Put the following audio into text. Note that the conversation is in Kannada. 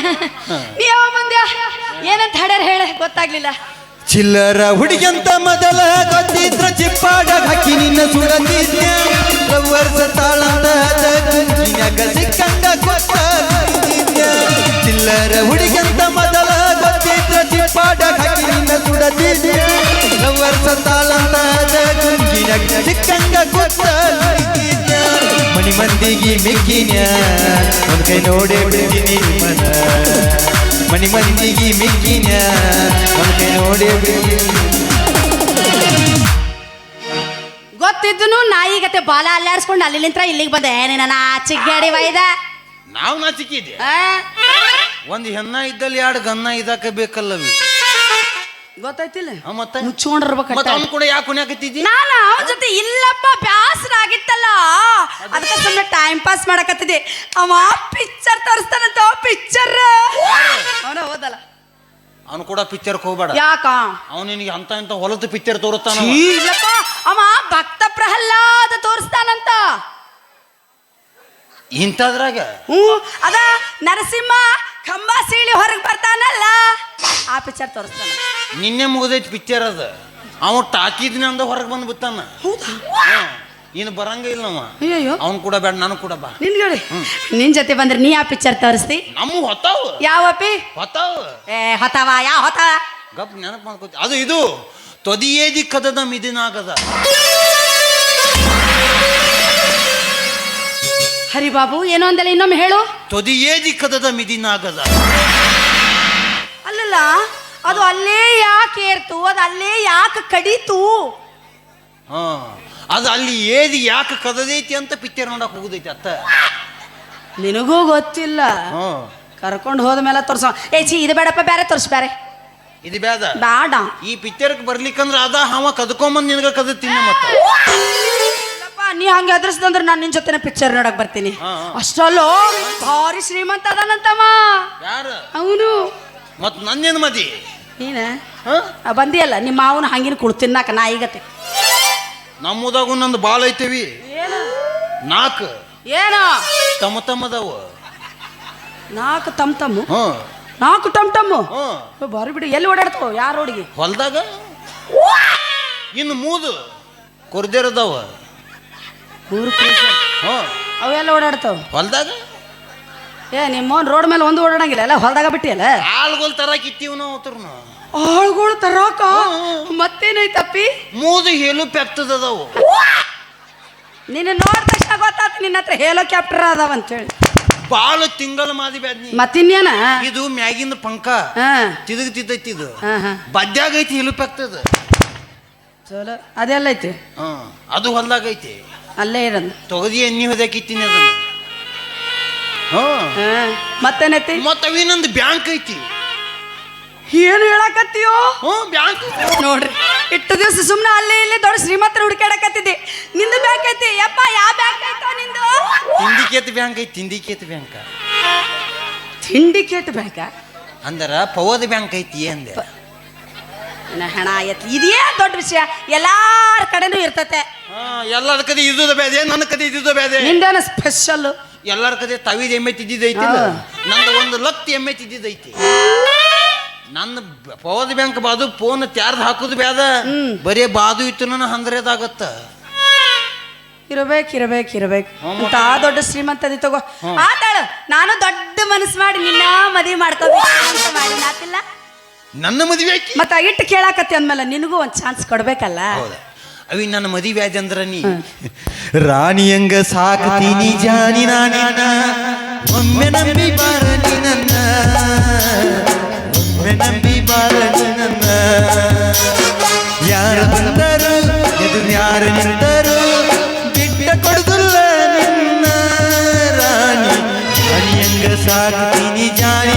ನೀ ಯಾವ ಬಂದ್ಯಾ ಏನಂತ ಹಾಡ್ಯಾರ ಹೇಳ ಗೊತ್ತಾಗ್ಲಿಲ್ಲ. ಚಿಲ್ಲರ ಹುಡುಗಿಯಂತ ಮೊದಲ ಗೊತ್ತಿದ್ರ ಚಿಪ್ಪಾಡ ಹಾಕಿ ನಿನ್ನ ಸುಡತಿದ್ಯ ವರ್ಷ ತಾಳಂದ ಕುಂಚಿನಾಗ ಸಿಕ್ಕಂಗ ಗೊತ್ತಿದ್ಯ. ಚಿಲ್ಲರ ಹುಡುಗಿಯಂತ ಮೊದಲ ಗೊತ್ತಿದ್ರ ಚಿಪ್ಪಾಡ ಹಾಕಿ ನಿನ್ನ ಸುಡತಿದ್ಯ ವರ್ಷ ತಾಳಂದ ಕುಂಚಿನಾಗ ಸಿಕ್ಕಂಗ ಗೊತ್ತಿದ್ಯ. ಮನಿ ಮಂದಿಗೆ ಮಿಕ್ಕಿನ್ಯ ಒಂದ್ ಕೈ ನೋಡೇ ಬಿಡ್ತೀನಿ ಮನ. ಮನಿ ಮಂದಿಗೆ ಮಿಕ್ಕಿನ ಒಂದೇ ನೋಡಿ ಗೊತ್ತಿದ್ದನು ನಾಯಿಗತೆ ಬಾಲ ಅಲ್ಲಾಡ್ಸ್ಕೊಂಡು ಅಲ್ಲಿಂತ್ರ ಇಲ್ಲಿಗೆ ಬಂದೆ. ಏನೇನ ಚಿಗ್ಗಾಡಿ ವೈದ ನಾವು ನಾಚಿಕಿದ್ದೆ. ಒಂದು ಹೆಣ್ಣ ಇದ್ದಲ್ಲಿ ಎರಡು ಗನ್ನ ಇದಾಕ ಬೇಕಲ್ಲವಿ ಗೊತ್ತಾಯ್ತಿಲ್ಲ. ಮತ್ತೆ ಮುಚ್ಕೊಂಡಿರ್ಬೇಕು. ಅವ್ನು ಕೂಡ ಯಾಕೆ ಕುಣ್ಯಾಕತ್ತಿದ್ದಿ? ನಾನು ಅವನ ಜೊತೆ ಇಲ್ಲಪ್ಪ ಬ್ಯಾಸರ ಆಗಿತ್ತಲ್ಲ ಅದಕ್ಕೆ ಸುಮ್ಮನೆ ಟೈಮ್ ಪಾಸ್ ಮಾಡಕತ್ತಿದ್ದೆ. ಅವ ಪಿಕ್ಚರ್ ತೋರಿಸ್ತಾನಂತ ಪಿಕ್ಚರ್ ಅವನ ಹೋದಲ್ಲ. ಅವನು ಕೂಡ ಪಿಕ್ಚರ್ಗೆ ಹೋಗ್ಬೇಡ. ಯಾಕ ಅವನು ನಿನಗೆ ಅಂತ ಇಂತ ಹೊಲದ ಪಿಕ್ಚರ್ ತೋರಿಸ್ತಾನ. ಇಲ್ಲಪ್ಪ ಅವ ಭಕ್ತ ಪ್ರಹ್ಲಾದ ತೋರಿಸ್ತಾನಂತ. ಇಂಥದ್ರಾಗ ಅದ ನರಸಿಂಹ ಕಂಬ ಸೀಳಿ ಹೊರಗೆ ಬರ್ತಾನಲ್ಲ ಆ ಪಿಕ್ಚರ್ ತೋರಿಸ್ತಾನ. ನಿನ್ನೆ ಮುಗಿದೈತಿ ಪಿಕ್ಚರ್ ಅದ. ಅವ ಟಾಕಿದ್ನ ಅಂದ ಹೊರಗೆ ಬಂದು ಬಿತ್ತಾನ. ಇನ್ನು ಬರಂಗ ಇಲ್ಲ ಅವ. ಅಯ್ಯೋ ಅವ್ನು ಕೂಡ ಬೇಡ ನಾನು ಕೂಡ ಬಾ. ನಿನ್ಗಳಿ ನಿನ್ ಜೊತೆ ಬಂದ್ರೆ ನೀ ಆ ಪಿಕ್ಚರ್ ತೋರಿಸ್ತಿ. ನಮ್ಮ ಹೊತ್ತಾವ ಯಾವಪ್ಪಿ ಹೊತ್ತಾವ ಹೊತಾವ ಯಾವ ಹೊತಾವ ಗಪ್ ನೆನಪು ಮಾಡ್ಕೋತಿ. ಅದು ಇದು ತೊದಿಯೇದಿ ಕದದ ಮಿದಿನಾಗದ. ಹರಿಬಾಬು ಏನೋ ಅಂದಲ್ಲ ಇನ್ನೊಮ್ಮೆ ಹೇಳು. ತೊದಿಯೇದಿ ಕದದ ಮಿದಿನಾಗದ. ಅಲ್ಲಲ್ಲ ಅದು ಅಲ್ಲೇ ಯಾಕೆ ಏರ್ತು, ಅದು ಅಲ್ಲೇ ಯಾಕೆ ಕಡೀತು? ಅದು ಅಲ್ಲಿ ಏದಿ ಯಾಕೆ ಕದದೈತಿ ಅಂತ ಪಿಕ್ಚರ್ ನೋಡಕ್ ಹೋಗುದೈತಿ ಅತ್ತ. ನಿನಗೂ ಗೊತ್ತಿಲ್ಲ. ಕರ್ಕೊಂಡು ಹೋದ ಮೇಲೆ ತೋರ್ಸ. ಇದು ಬೇಡಪ್ಪ, ಬೇರೆ ತೋರ್ಸ್. ಬೇರೆ ಇದು ಬೇಡ ಬೇಡ. ಈ ಪಿಕ್ಚರ್ಗೆ ಬರ್ಲಿಕ್ಕಂದ್ರ ಅದ ಹಾವ ಕದ್ಕೊಂಬಂದ್ ನಿನಗ ಕದತೀನಿ. ಮತ್ತೆ ನೀ ಹಂಗೆ ಅದ್ರಸ್ದಂದ್ರೆ ನಾನು ನಿನ್ ಜೊತೆ ಪಿಕ್ಚರ್ ನೋಡಕ್ ಬರ್ತೀನಿ. ಅಷ್ಟಲ್ಲೋ ಭಾರಿ ಶ್ರೀಮಂತ ಅದಾನಂತಮ್ಮ. ಯಾರು ಅವನು? ಮತ್ ನನ್ನೇನು ಮದಿ ನೀನ ಬಂದಿಯಲ್ಲ ನಿಮ್ಮ ಮಾವನ ಹಂಗಿನ ಕುಳ್ ತಿನ್ನಾಕ ನಾಯಿಗತೆ. ನಮ್ಮದಾಗು ನಂದು ಬಾಳ ಐತೇವಿ. ನಾಲ್ಕು ಏನ ತಮ್ಮ ತಮ್ಮದವ. ನಾಲ್ಕು ತಮ್ ತಮ್ಮು. ನಾಲ್ಕು ಟಮ್ ಟಮ್ಮು ಬಾರಿ ಬಿಡಿ. ಎಲ್ಲಿ ಓಡಾಡ್ತಾವ? ಯಾರು ಹುಡುಗಿ? ಹೊಲ್ದಾಗ. ಇನ್ನು ಮೂದು ಕೊರ್ದೇರದವ. ಅವೆಲ್ಲ ಓಡಾಡ್ತಾವ ಹೊಲ್ದಾಗ. ನಿಮ್ಮವನ್ ರೋಡ್ ಮೇಲೆ ಒಂದು ಓಡಾಡಂಗಿಲ್ಲ, ಎಲ್ಲ ಹೊಲ್ದಾಗ ಬಿಟ್ಟಿಯಲ್ಲ. ಆಳ್ಗೋಲ್ ತರಾಕ್ ಇತ್ತೀವ್ ನಾವು ಅವ್ರನ್ನ. ಆಳ್ಗೋಳು ತರಾಕ ಮತ್ತೇನೈತಪ್ಪಿ? ಮೂದು ಹೇಲು ಪೆಕ್ತದವು. ನಿನ್ನ ನೋಡಿದ ತಕ್ಷಣ ಗೊತ್ತಾಯ್ತು ನಿನ್ನ ಹತ್ರ ಹೆಲಿಕಾಪ್ಟರ್ ಅದಾವ ಅಂತೇಳಿ. ಬಾಳ ತಿಂಗಳ ಮಾದಿ ಬ್ಯಾದ್ನಿ. ಮತ್ತಿನ್ನೇನ ಇದು ಮ್ಯಾಗಿಂದ ಪಂಕ ತಿದಗ್ತಿದ್ದೈತಿ. ಇದು ಬದ್ಯಾಗ ಐತಿ ಹೇಲು ಪೆಕ್ತದ. ಚಲೋ ಅದೆಲ್ಲ ಐತಿ. ಅದು ಹೊಲ್ದಾಗ ಐತಿ. ಅಲ್ಲೇ ಇರಂದ ತೊಗದಿ ಎಣ್ಣಿ ಹೊದಕಿತ್ತೀನಿ ಅದನ್ನ. ಮತ್ತೇನೈತಿ? ಮತ್ತ ಅವಿನೊಂದು ಬ್ಯಾಂಕ್ ಐತಿ. ಏನು ಹೇಳಕತ್ತೀಯೋ? ಬ್ಯಾಂಕ್ ನೋಡ್ರಿ, ಇಟ್ಟು ದಿವಸ ಸುಮ್ಮನೆ ಅಲ್ಲೇ ಇಲ್ಲಿ ದೊಡ್ಡ ಶ್ರೀಮಂತರ ಹುಡುಕಾಡಕತ್ತಿದ್ದೆ. ನಿಂದು ಬ್ಯಾಂಕ್ ಐತಿ ಯಪ್ಪ? ಯಾವ ಬ್ಯಾಂಕ್ ಐತೋ ನಿಂದು? ತಿಂಡಿಕೇತ್ ಬ್ಯಾಂಕ್ ಐತಿ. ತಿಂಡಿಕೇತ್ ಬ್ಯಾಂಕ್. ಸಿಂಡಿಕೇಟ್ ಬ್ಯಾಂಕ ಅಂದರ ಪವದ ಬ್ಯಾಂಕ್ ಐತಿ ಅಂದೆ. ಹಣ ಎತ್ತಿ ಇದೇ ದೊಡ್ಡ ವಿಷಯ. ಎಲ್ಲಾರ ಕಡೆನೂ ಇರ್ತತೆ. ಎಲ್ಲರ ಕಡೆ ಇದ್ದುದ ಬೇದೆ, ನನ್ನ ಕಡೆ ಇದ್ದುದ ಬೇದೆ. ನಿಂದೇನ ಸ್ಪೆಷಲ್? ಎಲ್ಲರ ಕಡೆ ತವಿದ ಎಮ್ಮೆ ತಿದ್ದಿದ್ದೈತಿ. ನಂದು 1 ಲಕ್ಷ ಎಮ್ಮೆ ತಿದ್ದಿದ್ದೈತಿ. ನನ್ನ ಪವದ ಬ್ಯಾಂಕ್ ಬಾದು ಫೋನ್ ತ್ಯಾರ್ದು ಹಾಕುದು ಬೇದ. ಬರೀ ಬಾದು ಇತ್ತು ನನ್ನ 100 ಇರಬೇಕು. ಅಂತ ದೊಡ್ಡ ಶ್ರೀಮಂತದಿ ತಗೋ. ಆತಾಳು ನಾನು ದೊಡ್ಡ ಮನಸ್ಸು ಮಾಡಿ ನಿನ್ನ ಮದುವೆ ಮಾಡ್ಕೋಬೇಕು ಮಾಡಿ ನಾತಿಲ್ಲ. ನನ್ನ ಮದುವೆ ಮತ್ತ ಇಟ್ಟು ಕೇಳಾಕತ್ತಿ ಅಂದ್ಮೇಲೆ ನಿನಗೂ ಒಂದ್ ಚಾನ್ಸ್ ಕೊಡ್ಬೇಕಲ್ಲ. ಅವಿ ನನ್ನ ಮದುವೆ ಆದ ಅಂದ್ರ ನೀ ರಾಣಿಯಂಗ ಸಾಕತೀನಿ ಜಾನಿ ನಾನಿನ್ನ. ಒಮ್ಮೆ ನಂಬಿ ಬಾರನಿ ನನ್ನ, ಒಮ್ಮೆ ನಂಬಿ ಬಾರನಿ ನನ್ನ. ಯಾರು ಬಂದರು ಎದುರು ಯಾರು ನಿಂತರು ಬಿಟ್ಟ ಕೊಡುದಿಲ್ಲ ನಿನ್ನ ರಾಣಿ. ರಾಣಿಯಂಗ ಸಾಕತೀನಿ ಜಾನಿ